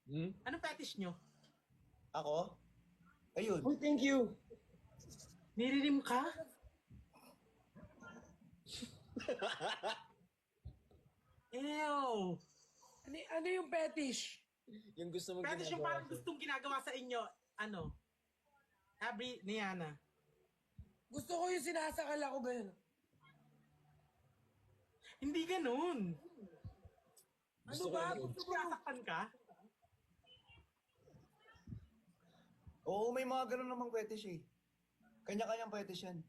Hmm? Anong fetish nyo? Ako? Ayun. Oh, thank you. Niririm ka? Ew! Ano yung fetish? Yung gusto mong Fetish yung ginagawa parang sa'yo. gustong ginagawa sa inyo. Ano? Abri, Niana. Gusto ko yung sinasakal ako ganun. Hindi ganun. Gusto ko Ano ba? yung Gusto ko. Sinasaktan ka? Oo, may mga ganun namang fetish eh. Kanya-kanyang fetish yan.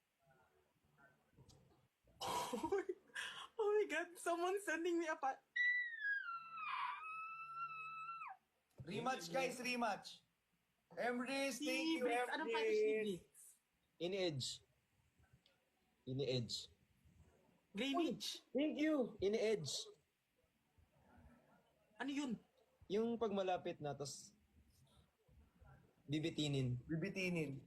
Oh my God, someone sending me a Rematch guys, rematch. Emrys, Si thank you, Bricks, anong fetish ni Emrys. Bricks? Ini-edge. Ini-edge. Drainage. Thank you. Ini-edge. Ano yun? Yung pag malapit na, tapos bibitinin. Bibitinin.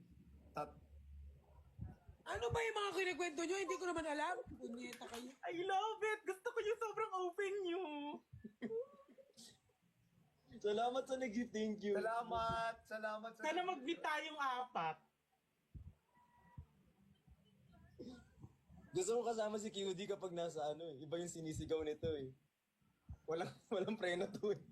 Ano ba yung mga kinikwento nyo? Hindi ko naman alam. Punyeta kayo. I love it! Gusto ko yung sobrang open nyo. Salamat sa nag-gift. Thank you. Salamat, salamat. Sana mag-meet tayong apat. Gusto ko kasama si QD kapag nasa ano eh. Iba yung sinisigaw nito eh. Walang preno to eh.